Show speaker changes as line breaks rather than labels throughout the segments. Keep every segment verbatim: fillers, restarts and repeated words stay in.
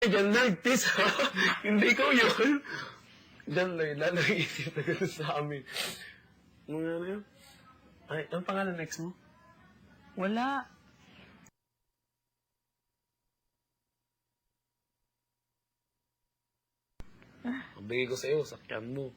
Diyan lang, tis, ha? Hindi ko yun. Diyan lang, lalo isip na gano'n sa amin. Mga ano yun? Ay, ang pangalan next mo?
Wala.
Ang bigay ko sa'yo, sakyan mo.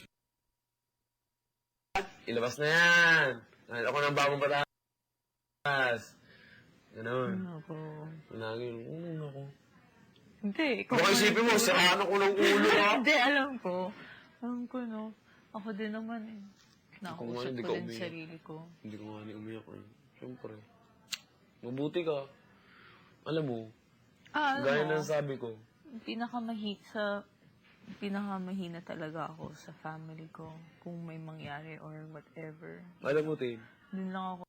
Ilabas na yan. Dahil ako ng bagong batas. Ganon.
Ano ko?
Lagi yung, unong ako.
Hindi.
Baka isipin mo, siraan ako ng ulo, ha?
Hindi, alam ko. Alam ko, no. Ako din naman, eh.
Kung ano,
Nakausap
hindi
ko
ka
din
umiyak.
sarili ko.
Hindi ko nga ni umiyak, eh. Siyempre. Mabuti ka. Alam mo,
Ah, alam
gaya
mo,
ng sabi ko,
pinakamahi sa pinakamahina talaga ako sa family ko kung may mangyari or whatever.
alam mo, Tin,
Dun lang ako.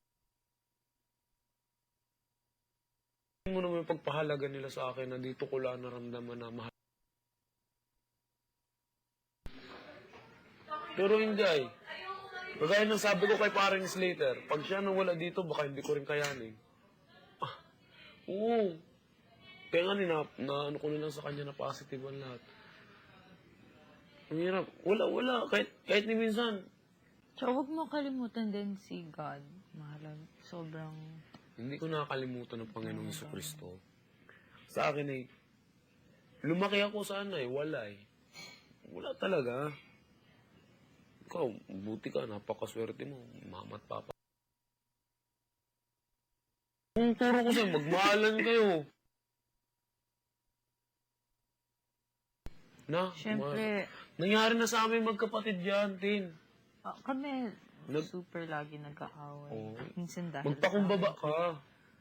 hindi mo naman yung pagpahalaga nila sa akin na dito ko lang naramdaman na mahal. Pero hindi ay. Kagaya ng sabi ko kay parang Slater, pag siya nawala dito, baka hindi ko rin kayanin. Ah, oo. Kaya nga na, na ano ko na lang sa kanya na positive ang lahat. Ang hirap. Wala, wala. Kahit, kahit ni minsan.
So, huwag mo kalimutan din si God. Mahalan. Sobrang...
Hindi ko nakakalimutan ng Panginoong Jesucristo. Sa akin ay, lumaki ako sana eh, wala eh. Wala talaga. Ikaw, buti ka, napakaswerte mo, mama at papa. Kung turo ko sa'yo, magmahalan kayo. Na,
Siyempre,
ma- nangyari na sa amin magkapatid yan, Tin.
ah, kami
Nag-
super lagi nagkaaway.
Oo.
Minsan dahil
Magpakumbaba ka.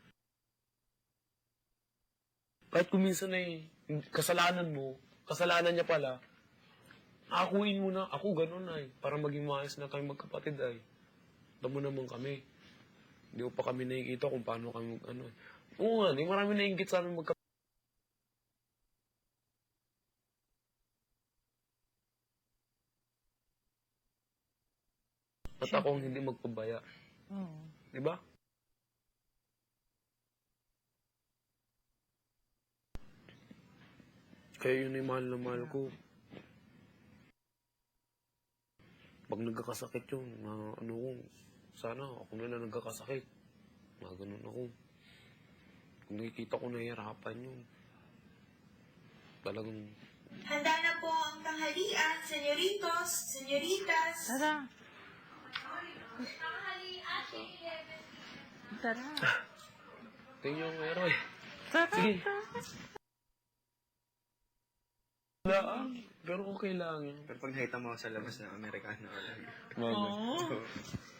Kahit kung minsan ay kasalanan mo, kasalanan niya pala, akuin mo na, ako ganun ay, para maging maayos na kami magkapatid ay. Tamo naman kami. Hindi ko pa kami nakikita kung paano kami mag, ano. Oo nga, di marami nainggit sa amin magkapatid. At ako ang hindi magpabaya.
Oo.
Di ba? Kaya yun ay mahal na mahal ko. Pag nagkakasakit yun, na ano ko, sana ako na lang nagkakasakit. Mga ganun ako. Kung nakikita ko nahihirapan yun, talagang,
Handa na po ang tanghalian, senyoritos, senyoritas.
Tara. Tara.
tingin yung meron eh.
Tara.
Sige.
Tara.
Wala ah, pero okay lang yun.
Pero pag nakita mo ako sa labas ng Amerikano,
Mga
Oo.
oh.